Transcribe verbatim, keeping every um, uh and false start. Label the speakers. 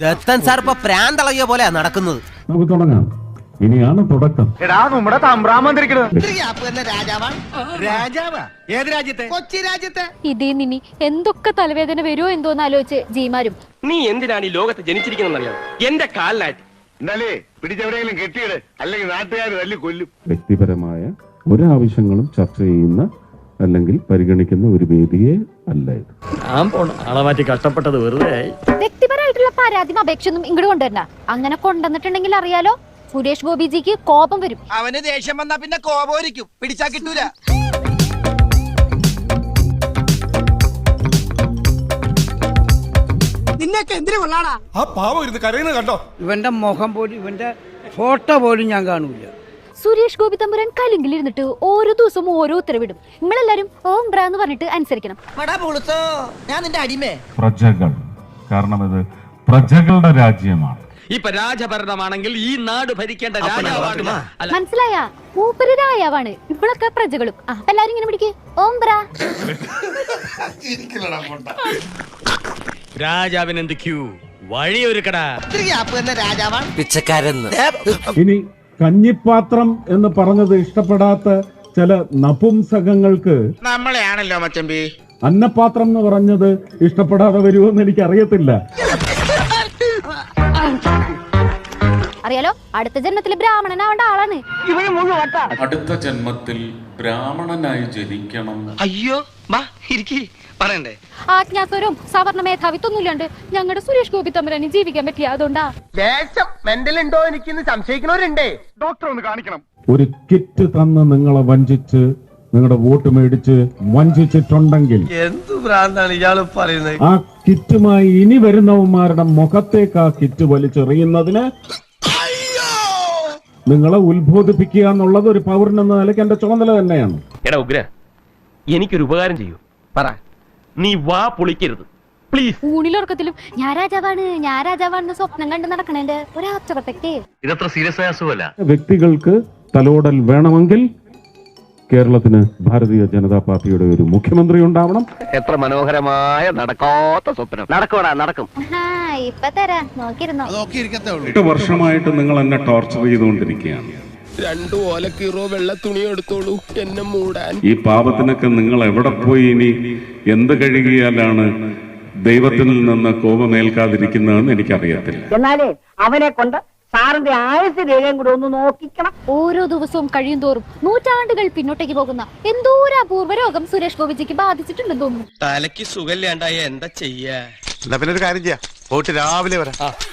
Speaker 1: Dathan sir ഇപ്പൊ പ്രാന്തളകിയ പോലെയാ നടക്കുന്നത്.
Speaker 2: നമുക്ക് തുടങ്ങാം. ഇനിയാണ് തുടക്കം.
Speaker 3: എടാ നമ്മുടെ തമ്പ്രാൻ വന്നിരിക്കുന്നത്
Speaker 1: കൊച്ചി രാജ്യത്തെ
Speaker 4: ഇതേ നിനി എന്തൊക്കെ തലവേദന വരുമോ എന്തോന്ന് ആലോചിച്ച് ജീമാരും.
Speaker 5: നീ എന്തിനാണ് ഈ ലോകത്ത് ജനിച്ചിരിക്കുന്നറിയാം? എന്റെ കാലിനായിട്ട്
Speaker 3: എന്നാലേ പിടിച്ചെവിടെയെങ്കിലും കെട്ടിയിട്, അല്ലെങ്കിൽ നാട്ടുകാർ തല്ലി കൊല്ലും.
Speaker 2: വ്യക്തിപരമായ ഒരാവശ്യങ്ങളും ചർച്ച ചെയ്യുന്ന അല്ലെങ്കിൽ പരിഗണിക്കുന്ന ഒരു വേദിയെ അല്ല ഇത്.
Speaker 6: ആളെ മാറ്റി കഷ്ടപ്പെട്ടത് വെറുതെ.
Speaker 4: വ്യക്തിപരമായിട്ടുള്ള പരാതിയും അപേക്ഷയൊന്നും ഇങ്ങോട്ട് കൊണ്ടുവരണ്ട. അങ്ങനെ കൊണ്ടുവന്നിട്ടുണ്ടെങ്കിൽ അറിയാലോ, സുരേഷ് ഗോപിജിക്ക് കോപം വരും.
Speaker 1: അവന് ദേഷ്യം വന്നാ പിന്നെ കോപമായിരിക്കും, പിടിച്ചാ കിട്ടൂല. നിന്നൊക്കെ എന്തിനു കൊള്ളാടാ?
Speaker 7: ആ പാവം ഇരുന്ന് കരയുന്നത് കണ്ടോ?
Speaker 8: ഇവന്റെ മുഖം പോലും ഇവന്റെ ഫോട്ടോ പോലും ഞാൻ കാണൂല.
Speaker 4: സുരേഷ് ഗോപി തമ്പുരാൻ കലിങ്കിലിരുന്നിട്ട് ഓരോ ദിവസവും ഓരോ ഉത്തരവിടും. നിങ്ങളെല്ലാരും ഓം ബ്രാ എന്ന് പറഞ്ഞിട്ട് അനുസരിക്കണം.
Speaker 1: ഞാൻ നിന്റെ അടിമേ.
Speaker 2: പ്രജകൾ, കാരണം ഇത് പ്രജകളുടെ രാജ്യമാണ്.
Speaker 5: ഇപ്പൊ രാജഭരണമാണെങ്കിൽ ഈ നാട് ഭരിക്കേണ്ട രാജാവാണ്.
Speaker 4: മനസ്സിലായ? മൂപ്പര് രാജാവാണ്, ഇവളൊക്കെ പ്രജകളും. ആ എല്ലാരും ഇങ്ങനെ പിടിക്ക്, ഓം ബ്രാ.
Speaker 5: രാജാവിന് എന്ത് ക്യൂ വഴിയൊരുക്കടാ.
Speaker 1: രാജാവാണ് പിച്ചക്കാരെന്ന്.
Speaker 2: ഇനി കഞ്ഞിപ്പാത്രം എന്ന് പറഞ്ഞത് ഇഷ്ടപ്പെടാത്ത ചില നപുംസകങ്ങൾക്ക്
Speaker 3: നമ്മളെയാണല്ലോ മച്ചമ്പി.
Speaker 2: അന്നപാത്രം എന്ന് പറഞ്ഞത് ഇഷ്ടപ്പെടാതെ വരുമെന്ന് എനിക്ക് അറിയത്തില്ല.
Speaker 4: അറിയാലോ, അടുത്ത ജന്മത്തിൽ ബ്രാഹ്മണനാവേണ്ട ആളാണ്.
Speaker 9: അടുത്ത ജന്മത്തിൽ ബ്രാഹ്മണനായി ജനിക്കണം.
Speaker 1: അയ്യോ പറയണ്ടേ?
Speaker 4: ആജ്ഞാസ്വരവും സവർണ മേധാവിത്വമൊന്നുമില്ലാണ്ട് ഞങ്ങളുടെ സുരേഷ് ഗോപി തമ്പുരാന് ജീവിക്കാൻ പറ്റിയ അതുകൊണ്ടാ.
Speaker 1: ദേശം മെന്റൽ ഉണ്ടോ എനിക്കിന്ന് സംശയിക്കുന്നവരുണ്ടേ.
Speaker 3: ഡോക്ടർ ഒന്ന് കാണിക്കണം.
Speaker 2: ഒരു കിറ്റ് തന്ന് നിങ്ങളെ വഞ്ചിച്ച് നിങ്ങളുടെ വോട്ട് മേടിച്ച് വഞ്ചിച്ചിട്ടുണ്ടെങ്കിൽ
Speaker 1: എന്ത് ഭ്രാന്താണ് ഇയാള് പറയുന്നത്?
Speaker 2: ആ കിറ്റുമായി ഇനി വരുന്നവന്മാരുടെ മുഖത്തേക്ക് ആ കിറ്റ് വലിച്ചെറിയുന്നതിന് നിങ്ങളെ ഉത്ബോധിപ്പിക്കുക എന്നുള്ളത് ഒരു പൗരൻ എന്ന നിലയ്ക്ക് എന്റെ ചുമതല തന്നെയാണ്.
Speaker 5: എടാ ഉഗ്ര, എനിക്കൊരു ഉപകാരം ചെയ്യൂ. പറ, നീ വാ പൊളിക്കരുത് പ്ലീസ്.
Speaker 4: ഊണിലുറക്കത്തിലും ഞാൻ രാജാവാണ് ഞാൻ രാജാവാണെന്ന് സ്വപ്നം കണ്ട് നടക്കണേന്റെ ഒരാച്ചറത്തേക്ക്.
Speaker 5: ഇതത്ര സീരിയസ് ആയ അസുഖമല്ല.
Speaker 2: വ്യക്തികൾക്ക് തലോടൽ വേണമെങ്കിൽ കേരളത്തിന് ഭാരതീയ ജനതാ പാർട്ടിയുടെ ഒരു മുഖ്യമന്ത്രി ഉണ്ടാവണം.
Speaker 5: എത്ര മനോഹരമായ നടക്കാത്ത സ്വപ്നം. നടക്കോടാ, നടക്കും.
Speaker 4: ഇപ്പൊ തരാം, നോക്കിയിരുന്നോ.
Speaker 2: എട്ട് വർഷമായിട്ട് നിങ്ങൾ എന്നെ ടോർച്ചർ ചെയ്തുകൊണ്ടിരിക്കുകയാണ്.
Speaker 7: രണ്ടു ഓലക്കീറോ വെള്ള തുണി എടുത്തോളൂ എന്നെ മൂടാൻ.
Speaker 2: ഈ പാപത്തിനൊക്കെ നിങ്ങൾ എവിടെ പോയി ഇനി എന്ത് കഴുകിയാലാണ് ദൈവത്തിൽ നിന്ന് കോപമേൽക്കാതിരിക്കുന്നതെന്ന് എനിക്കറിയത്തില്ല.
Speaker 8: എന്നാലേ അവനെ കൊണ്ട് സാറിന്റെ ആയുസ് രേഖയും കൂടെ ഒന്ന് നോക്കിക്കണം.
Speaker 4: ഓരോ ദിവസവും കഴിയും തോറും നൂറ്റാണ്ടുകൾ പിന്നോട്ടേക്ക് പോകുന്ന എന്തോ ഒരു അപൂർവ രോഗം സുരേഷ് ഗോപിജിക്ക് ബാധിച്ചിട്ടുണ്ടെന്ന് തോന്നുന്നു.
Speaker 1: തലയ്ക്ക് സുഖമില്ലാണ്ടായ എന്താ ചെയ്യാ?
Speaker 3: എന്നാ പിന്നെ ഒരു കാര്യം ചെയ്യാം, പോയിട്ട് രാവിലെ വരാം.